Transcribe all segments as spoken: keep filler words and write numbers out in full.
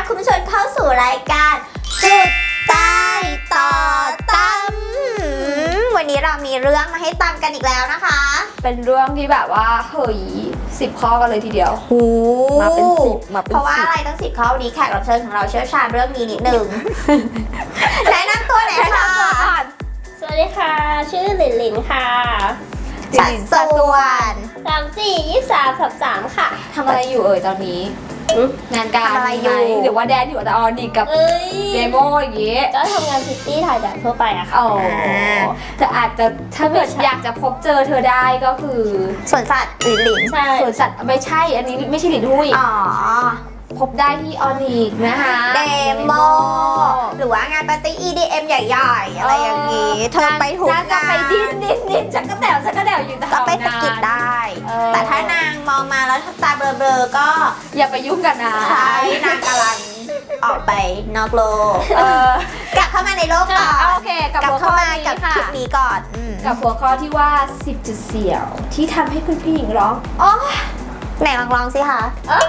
รับคุณผู้ชมเข้าสู่รายการจุดใต้ต่อตำวันนี้เรามีเรื่องมาให้ตำกันอีกแล้วนะคะเป็นเรื่องที่แบบว่าเฮ้ยสิบข้อกันเลยทีเดียวมาเป็นสิบมาเป็นสิบเพราะว่าอะไรตั้งสิบข้อวันนี้แขกรับเชิญของเราเชี่ยวชาญเรื่องนี้นิดนึง แนะนำตัวหน่อยค่ะสวัสดีค่ะชื่อหลินหลินค่ะสัดส่วนสามสี่ยี่สามสับสามค่ะทำอะไรอยู่เอ่ยตอนนี้งานการอะไรอยู่หรือว่าแดนอยู่แต่ออนดีกับเดโมอย่างเงี้ยก็ทำงานพิตตี้ถ่ายแบบทั่วไปอะค่ะอ๋อแต่อาจจะถ้าเกิดอยากจะพบเจอเธอได้ก็คือสวนสัตว์หลินหลินใช่สวนสัตว์ไม่ใช่อันนี้ไม่ใช่หลินหุ้ยอ๋อพบได้ที่ออนิกนะคะเดโมหรือว่างานปาร์ตี้ อี ดี เอ็ม ใหญ่ๆอะไรอย่างงี้เธอไปถูกงานจะไปดิ้นดิ้นดิ้นจักกระแดวจักกระแดวอยู่แถวนั้นก็ไปสกิดได้แต่ถ้านางมองมาแล้วตาเบลอๆก็อย่าไปยุ่งกันนะใช่นางกำลังออกไปนอกโลกกลับเข้ามาในโลกก่อนโอเคกลับเข้ามากับคลิปนี้ก่อนกับหัวข้อที่ว่าสิบจุดเสี่ยวที่ทำให้คุณผู้หญิงร้องอ๋อไหนลองลองสิคะ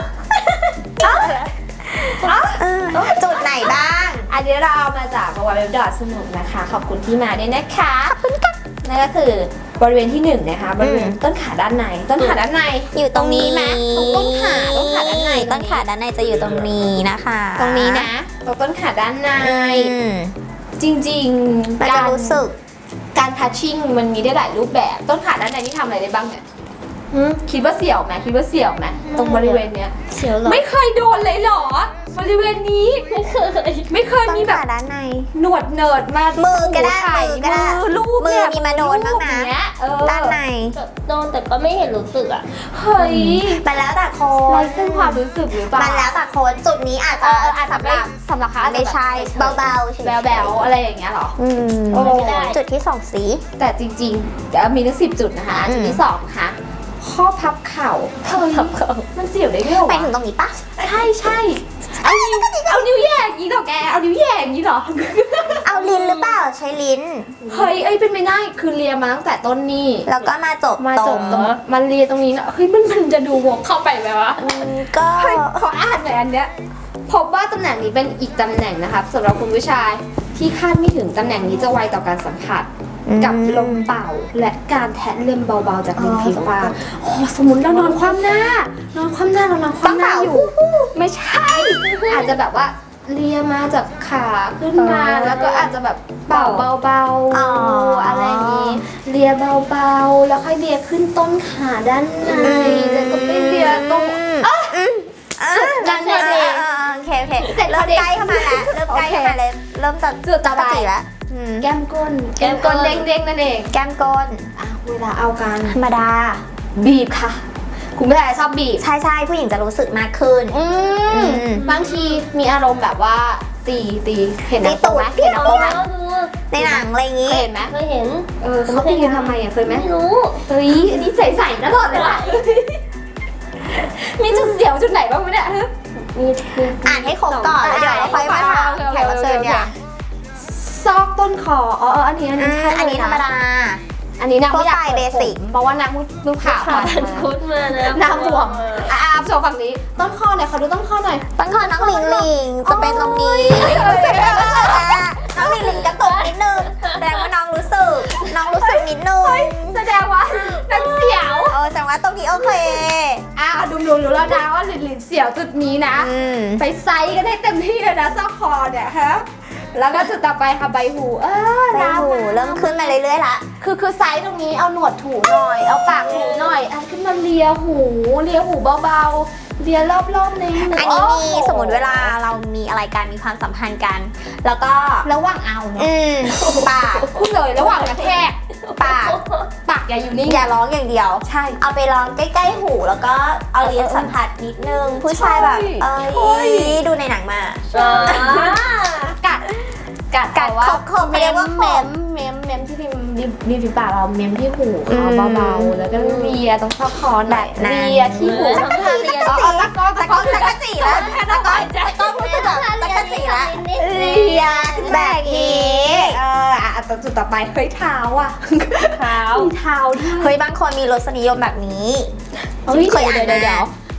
จุดไหนบ้างอันนี้เราเอามาจากบริเวณดอทสนุกนะคะขอบคุณที่มาด้วยนะคะขอบคุณค่ะนั่นก็คือบริเวณที่หนึ่งนะคะบริเวณต้นขาด้านในต้นขาด้านในอยู่ตรงนี้ไหมตรงต้นขาต้นขาด้านในต้นขาด้านในจะอยู่ตรงนี้นะคะตรงนี้นะตรงต้นขาด้านในจริงๆการรู้สึกการทัชชิ่งมันมีได้หลายรูปแบบต้นขาด้านในที่ทำอะไรได้บ้างเนี่ยคิดว่าเสี่ยวไหมคิดว่าเสี่ยวไหมตรงบริเวณเนี้ยเสี่ยวหรอไม่เคยโดนเลยหรอบริเวณนี้ไม่เคยไม่เคยมีแบบด้านในหนวดเนิร์ดมามือก็ได้มือก็ได้รูปมือมีมาโดนบ้างนะด้านในโดนแต่ก็ไม่เห็นรู้สึกอ่ะเฮ้ยมันแล้วแต่คนไร้ซึ่งความรู้สึกหรือเปล่ามันแล้วแต่คนจุดนี้อาจจะอาจจะไม่สำหรับเขาไม่ใช่เบาๆแบวๆอะไรอย่างเงี้ยหรออืมจุดที่สองสีแต่จริงๆเดี๋ยวมีทั้งสิบจุดนะคะจุดที่สองค่ะข้อพับเข่าพับเข่ามันเสี่ยวได้ด้วยหรอไปถึงตรงนี้ปะใช่ใช่เอานิ้วเอานิ้วแย่อย่างนี้หรอแกเอานิ้วแย่อย่างนี้หรอเอาลิ้นหรือเปล่าใช้ลิ้นเฮ้ยเอ้ยเป็นไม่ได้คือเลียมาตั้งแต่ต้นนี่แล้วก็มาจบมาจบตรงมันเลียตรงนี้เนาะเฮ้ยมันมันจะดูวกเข้าไปไหมวะก็ขออ่านหน่อยอันเนี้ยพบว่าตำแหน่งนี้เป็นอีกตำแหน่งนะคะสำหรับคุณผู้ชายที่คาดไม่ถึงตำแหน่งนี้จะไวต่อการสัมผัสกับลมเป่าและการแทะเล็มเบาๆจากริมฝีปากโอ้สมมติเรานอนคว่ำหน้านอนคว่ำหน้าเรานอนคว่ำหน้าอยู่ไม่ใช่อาจจะแบบว่าเลียมาจากขาขึ้นมาแล้วก็อาจจะแบบเป่าเบาๆอะไรอย่างนี้เลียเบาๆแล้วค่อยเลียขึ้นต้นขาด้านในแล้วก็ไปเลียตรงนั่นเองโอเคโอเคเสร็จเริ่มใกล้เข้ามาแล้วเริ่มใกล้เข้ามาเลยเริ่มจะจุดต่อไปแล้วแก้มก้นแก้มก้นเด้งๆนั่นเองแก้มก้นอ่ะเวลาเอากันธรรมดาบีบค่ะคุณผู้ชายชอบบีบใช่ใช่ผู้หญิงจะรู้สึกมากขึ้นบางทีมีอารมณ์แบบว่าตีตีเห็นหนังโป๊ไหมเห็นหนังโป๊ไหมในหนังอะไรอย่างงี้เห็นไหมเคยเห็นเออเขาตีกันทำไมอ่ะเคยไหมไม่รู้เฮ้ยอันนี้ใส่ๆตลอดเลยว่ะมีจุดเสียวจุดไหนบ้างไหมเนี่ยมีอ่านให้ครบก่อนแล้วเดี๋ยวเราค่อยมาถามแขกรับเชิญเนี่ยซอกต้นคออ๋ออันนี้อันนี้ใช่อันนี้ธรรมดาอันนี้นางไม่อยากเบสิกเพราะว่านางลูกขาผ่านคุดมาแล้วนางห่วงอ่ะโชว์ฝั่งนี้ต้นคอหน่อยขอดูต้นคอหน่อยต้นคอน้องลิงลิงจะเป็นตรงนี้น้องลิงลิงกระตุกนิดนึงแสดงว่าน้องรู้สึกน้องรู้สึกนิดนึงแสดงว่านางเสียวเออแสดงว่าตรงนี้โอเคอ่ะดูดูรู้แล้วนะว่าลิงลิงเสียวจุดนี้นะไปไซส์กันให้เต็มที่เลยนะซอกคอเนี่ยฮะแล้วก็จุดต่อไปค่ะใบหูเออใบหูเริ่มขึ้นมาเรื่อยๆละคือคือไซส์ตรงนี้เอาหนวดถูหน่อยเอาปากถูหน่อยอันขึ้นมาเลียหูเลียหูเบาๆเลียรอบๆในหูอันนี้มีสมมติเวลาเรามีอะไรกันมีความสัมพันธ์กันแล้วก็ระหว่างเอาเนาะปากพูดเลยระหว่างกระแทกปากปากอย่าอยู่นิ่งอย่าร้องอย่างเดียวใช่เอาไปร้องใกล้ๆหูแล้วก็เอาเลียสัมผัสนิดนึงผู้ชายแบบเอ้ยดูในหนังมากัดกัดกัดว่าไม่ได้ว่าเม้มเม้มเม้มที่ริมริมฝีปากเราเม้มที่หูเขาเบาๆแล้วก็เลียตรงซอกคอแบบเลียที่หูตะกะจีตะกะจีตะกะจีแล้วตะกะจีต้องรู้สึกแบบตะกะจีแล้วเลียแบบนี้เอออ่ะจุดต่อไปเฮ้ยเท้าอ่ะเท้ามีเท้าด้วยเฮ้ยบางคนมีรสนิยมแบบนี้เฮ้ยเดี๋ยวเดี๋ยว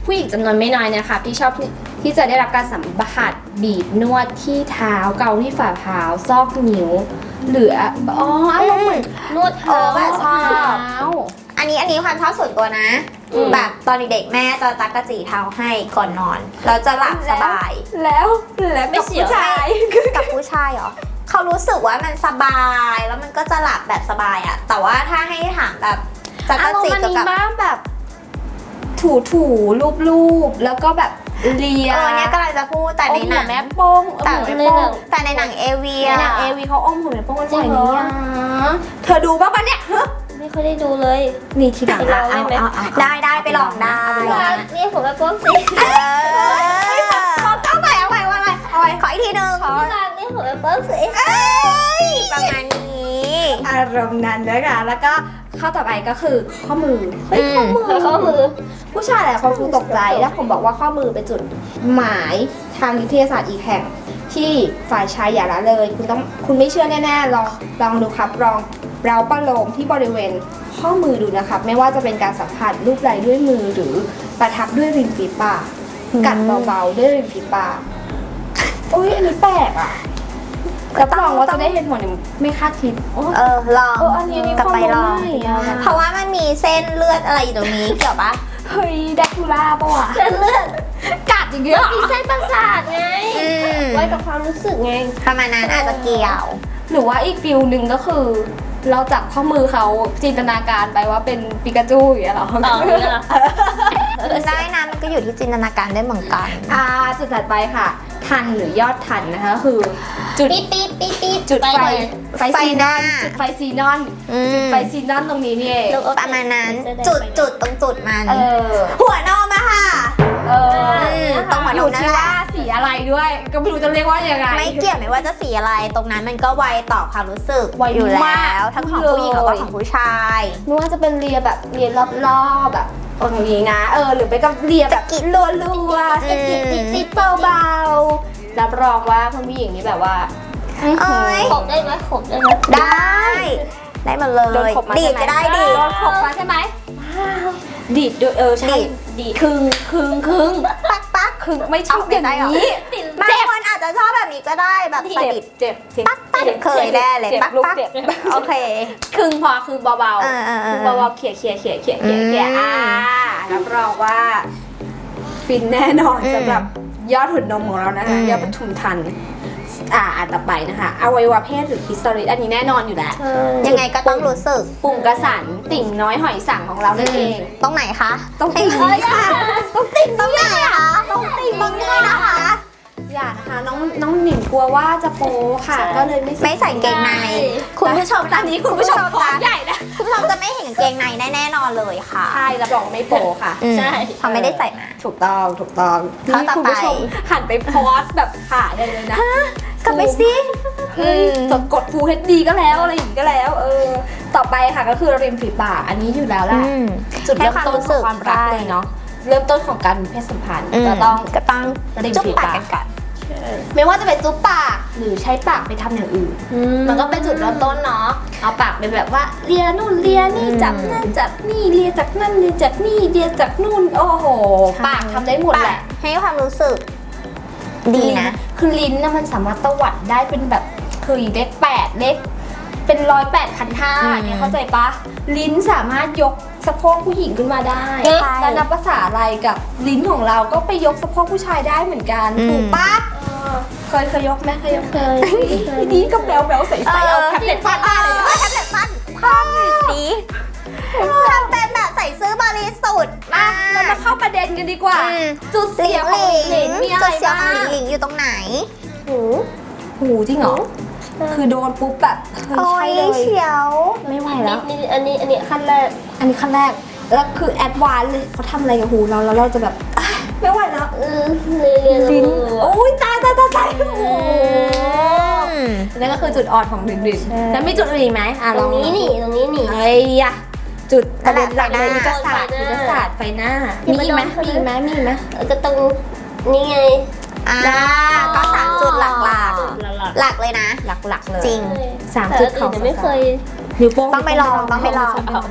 ผู้หญิงจำนวนไม่น้อยนะคะที่ชอบที่จะได้รับการสัมผัสบีบนวดที่เท้าเกาที่ฝ่าเท้าซอกนิ้วหรืออ๋ออารมณ์เหมือนนวดเอเท้าอแบบชอบเท้าอันนี้อันนี้ความชอบส่วนตัวนะอืมแบบตอนเด็กๆแม่จะจักกระจีเท้าให้ก่อนนอนแล้วจะหลับสบายแล้วแล้วไม่เสียวกับผู้ชายเหรอเขารู้สึกว่ามันสบายแล้วมันก็จะหลับแบบสบายอะแต่ว่าถ้าให้ถามแบบจักกอารระมจีณ์มันเกี่ยวมีกับบ้างแบบ ถูถูรูปรูปๆแล้วก็แบบเลียเออเนี่ยกำลังจะพูดแต่ในหนังแม่โป้งแต่อมในหัวแม่หโป้นังงแต่ในหนังเอวีในอะหนังเอวีเขาอมหัวแม่โป้งกันจริใส่งเหรอนี้อ่ะเธอดูบ้างปะเนี่ยไม่ค่อยได้ดูเลยนี่ทีหลังไปลองได้ไหมเอาเอาเอาได้ได้ไปลองได้เรียกผมว่าโป๊กสิเออเอาไปเอาไปเอาไปเอาไปขออีกทีหนึ่งพี่รักเรียกผมว่าโป๊กสิเอ้ยประมาณนี้อารมณ์นั้นนะคะแล้วก็ข้อต่อไปก็คือข้อมือเฮ้ยข้อมือข้อมือผู้ชายหลายคนคงตกใจแล้วผมบอกว่าข้อมือเป็นจุดหมายทางวิทยาศาสตร์อีกแห่ง ที่ฝ่ายชายอย่าละเลย คุณต้องคุณไม่เชื่อแน่ๆลองลองดูครับลองเราประโลมที่บริเวณข้อมือดูนะครับ ไม่ว่าจะเป็นการสัมผัสรูปไหล่ด้วยมือหรือประทับด้วยริมฝีปากกัดเบาๆด้วยริมฝีปากอุ้ยอันนี้แปลกอ่ะรับรองว่าจะได้เห็นผลอย่างไม่คาดคิดโอ้เออลองเอออันนี้อันนี้กลับไปลองข้อมือไม่อะเพราะว่ามันมีเส้นเลือดอะไรอยู่ตรงนี้เกี่ยวปะเฮ้ยแดกคูล่าปะวะเส้นเลือดกัดอย่างเงี้ยมีเส้นประสาทไงอืมไว้กับความรู้สึกไงประมาณนั้นอาจจะเกี่ยวหรือว่าอีกฟิลหนึ่งก็คือ เราจับข้อมือเขาจินตนาการไปว่าเป็นปิกาจูอย่างเงี้ยเหรออ๋อนี่เหรอได้นะมันก็อยู่ที่จินตนาการได้เหมือนกันอ่าจุดถัดไปค่ะ ทันหรือยอดทันนะคะก็คือจุดปี๊ดปี๊ดปี๊ดปี๊ดจุดไฟเลยไฟไฟซีหนน้าอนจุดไฟซีนอนอืมจุดไฟซีนอนตรงนี้นี่เองประมาณนั้นจุดจุดตรงจุดมันเออหัวนมอะค่ะเออมตรงหัวนมอยู่นั่นที่แหละว่าสีอะไรด้วย ก็ไม่รู้จะเรียกว่ายังไงไม่เกี่ยวไม่ว่าจะสีอะไร ตรงนั้นมันก็ไวต่อความรู้สึกไวอยู่แลมา้กว ทั้งของผู้หญิงแล้วก็ของผู้ชายไม่ว่าจะเป็นเรียแบบเรียรอบๆแบบตรงนี้นะเออหรือไปกับเรียแบบสะกิดรัวๆสะกิดอืมติดๆเบาๆรับรองว่าคุณผู้หญิงนี่แบบว่าเอ้ยขบได้ไหมขบได้ไหมได้ ได้หมดเลโดนยขบมาดีใช่ดไหมก็ได้ดีโดนขบมาใช่ไหมดีดด้วยเออใช่ดีดดีดคึงคึงคึงปักปักคึงไม่ชอบอย่างเอาไม่ได้หรอนี้บางคนอาจจะชอบแบบนี้ก็ได้แบบสะเจ็บดิดเจ็บเจ็บปักปักเคยแน่เลยจ็บปักลูกปักเจ็บโอเคคึงพอคึงเบาเออเออๆเอคึงอเบาๆเขี่ยเขี่ยเขี่ยเขี่ยเขี่ยเขี่ยอืมอ่ารับรองว่าฟินแน่นอนอืมสำหรับยอดหุ่นนมของเรานะคะอืมยอดปทุมทันอ่าอันต่อไปนะคะอวัยวะเพศหรือคลิสตอริสอันนี้แน่นอนอยู่แล้วยังไงก็ต้องรู้สึกปุ่มกระสันติ่งน้อยหอยสังของเรานั่นเองตรงไหนคะตรงให้ติ่งเอ้ยค่ะตรงติ่งตรงไหนคะตรงติ่งตรงนี้นะคะอย่านะคะน้องน้องหนิงกลัวว่าจะโปค่ะ ก็เลยไม่ไม่ใส่เกงใน คุณผู้ชมอันนี้คุณผู้ชมท้องใหญ่นะคุณผู้ชมจะไม่เห็นเกงในแน่ๆนอนเลยค่ะใช่รับรองไม่โปค่ะอืมใช่เขาไม่ได้ใส่มาถูกต้องถูกต้องข้อต่อไปคุณผู้ชมหันไปโพสต์แบบถ่ายได้เลยนะกลับไปสิเฮ้ยอืมกดกด Full เอช ดี ก็แล้วอะไรอย่างนี้ก็แล้ว เออ ต่อไปค่ะก็คือริมฝีปากอันนี้อยู่แล้วแหละอืมจุดเริ่มให้ความต้นรู้ขสึองกความรักใช่เลยเนาะเริ่มต้นของการมีเพศสัมพันธ์อืมก็ต้องก็ต้องริมจุ๊บฝีปากปากกันก่อนไม่ว่าจะเป็นจุ๊บปากหรือใช้ปากไปทำอย่างอื่น มันก็เป็นจุดเริ่มต้นเนาะ เอาปากเป็นแบบว่าเลียนู่นเลียนี่อืมจับนั่นจับนี่เลียจากนั่นเลียจากนี่เลียจากนู่นโอ้โหใช่ปากทำได้หมดแหละให้ความรู้สึก ดีนะคือลิ้นนะมันสามารถตวัดได้เป็นแบบคือเลขแปดเลขเป็นร้อยแปดพันห้าอืมเนี่ยเข้าใจปะลิ้นสามารถยกสะโพกผู้หญิงขึ้นมาได้ใช่แล้วนับภาษาอะไรกับลิ้นของเราก็ไปยกสะโพกผู้ชายได้เหมือนกันอืมถูกปะเคยเคยยกไหมเคยยกเคยเคยนี่ก็แบวแบวๆใสๆเอาแท็บเล็ตฟาดหน้าเลยเออแท็บเล็ตฟันคว่ำอยู่สิทำเป็นแบบใส่ซื้อบริสุทธิ์มากเรามาเข้าประเด็นกันดีกว่าอืมจุดหลิเสียงขหองลิงลิ้นมีอะไรจุดเสียบ้าของหลิงงหลิงอยู่ตรงไหนหูหูจริงเหรอคือโดนปุ๊บแบบเฮ้ยโอ้ใช่ยเลยเฉียวไม่ไหวนิแล้ดวนิดอันนี้อันนี้ขั้นแรกอันนี้ขั้นแรก แล้วคือแอดวานซ์เลยเขาทำอะไรกับหูเราแล้วเราจะแบบอ่ะไม่ไหวแล้วเออเรียนเรียนลิ้นรู้โอ้ยตายตายตายตายโอ้โหอืมนั่นก็คือจุดอ่อนของลิ้นลิ้นแล้วมีจุดอื่นอีกไหมอ่ะตลรองงนี้นี่ตรงนี้นี่ไอ้ยะจุดประเด็นหลักเลยไฟหน้ายุทธศาสตร์ยุทธศาสตร์ไฟหน้าอย่ามีไปอีกไหมโดนเขามีอีกไหมมีอีกไหมก็ตรงนี่ไงอ่าก็สามจุดหลักหลักๆ หลักเลยนะหลักๆเลยจริงสามจุดเขาแต่ไม่เคยนิ้วโป้งต้องไปลองต้องไปลองน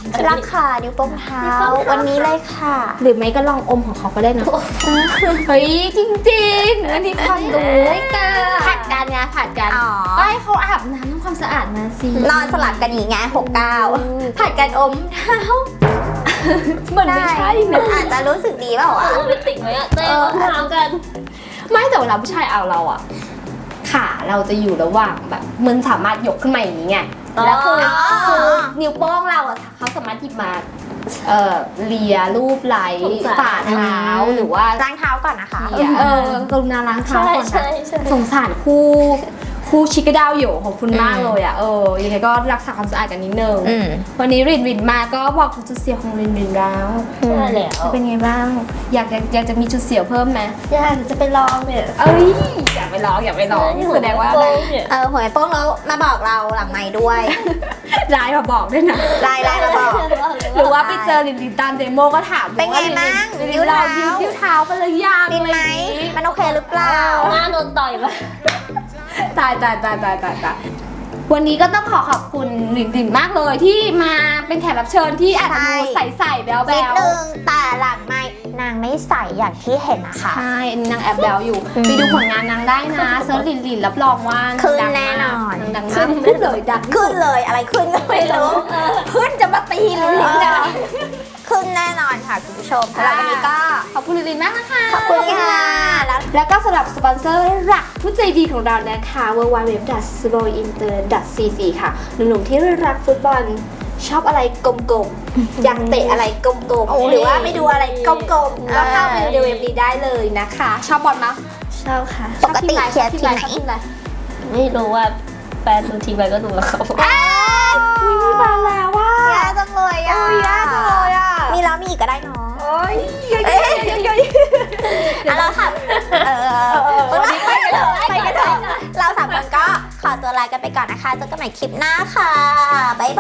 รักค่ะนิ้วโป้งเท้า วันนี้เลยค่ะหรือไม่ก็ลองอมของเขาก็ได้นะ เฮ้ยจริงๆอันนี้ความรู้ผัดกันไงผัดกันอ๋อก็ให้เขาอาบน้ำทำความสะอาดมาสินอนสลับกันอย่างงี้ไงหกเก้าผัดกันอมเท้าเหมือนไม่ใช่นะอาจจะรู้สึกดีเปล่าวะโรแมนติกไหมอะเต้ก็ถามกันไม่แต่เวลาผู้ชายเอาเราอะขาเราจะอยู่ระหว่างแบบมันสามารถยกขึ้นมาอย่างนี้ไงแล้วคืออ๋อคือนิ้วโป้งเราอะเขาสามารถหยิบมาเอ่อเลียรูปไหล่ฝ่าเท้าหรือว่าล้างเท้าก่อนนะคะเลียเออกรุณาล้างเท้าใช่ก่อนใช่นะใช่สงสารคู่คู่ชิคกดาวอยู่ของคุณมากเลยอะเออยังไงก็รักษาความสะอาดกันนิดนึงอืมวันนี้รินรินมาก็บอกถึงจุดเสียของรินรินแล้วใช่แล้วเป็นไงบ้างอยากอยากอยากจะมีจุดเสียเพิ่มไหมอยากจะไปลองเนี่ยเอ้ยอย่าไปร้องอย่าไปร้องแสดงว่าโป้งเนี่ยเออหัวโป้งแล้วมาบอกเราหลังไม้ด้วยไลน์มาบอกด้วยนะไลน์ไลน์มาบอกหรือว่าไปเจอลินลินตามเดโมก็ถามเป็นไงบ้างลินลินิ้นวเราเท้ายิ้วเท้ากันเลยยังดินไหมมันโอเคหรือเปล่าหน้าโดนต่อยมาตายตายตายตายตายตายวันนี้ก็ต้องขอขอบคุณลินลินมากเลยที่มาเป็นแขกรับเชิญที่อาจจะดูใสๆแบ๊วนิดๆนึงแต่หลังไม้นางไม่ใส่อย่างที่เห็นนะคะใช่นางแอบแบลอยู่อืมไปดูผลงานนางได้นะเซิร์ชลินลินรับรองว่าขึ้นดังแน่มากนอนนางดังมากขึ้นเลยดังขึ้นเลยอะไรขึ้นก็ไม่รู้ขึ้นจะมาตีลินลินเนี่ยขึ้นแน่นอนค่ะคุณผู้ชมสำหรับวันนี้ก็ขอบคุณลินลินมากนะคะขอบคุณค่ะแล้วแล้วก็สำหรับสปอนเซอร์หลักผู้ใจดีของเรานะคะ ดับเบิลยู ดับเบิลยู ดับเบิลยู ดอท สโลว์อินเตอร์ ดอท ซี ซี ค่ะ หนุ่มๆที่รักฟุตบอลชอบอะไรกลมๆ อยากเตะอะไรกลมโอ้ๆ หรือว่าไปดูอะไรกลมๆ ก็เข้าไปดูเว็บนี้ได้เลยนะคะ ชอบบอลมั้ยชอบค่ะปกติเชียร์ชอบทีมไหนชอบทีมอะไรไม่รู้ว่าแฟนดูทีมอะไรก็ดูกับเขาอุ้ยมีมาแล้วว่ายากจังเลยอ่ะโอ้ยยากจังเลยอ่ะมีแล้วมีอีกก็ได้เนาะโอ้ยเย้ยๆๆๆอ่ะเราค่ะเออวันนี้ไปกันเถอะไปกันเถอะเราสามคนก็ขอตัวลากันไปก่อนนะคะเจอกันใหม่คลิปหน้าค่ะบ๊ายบาย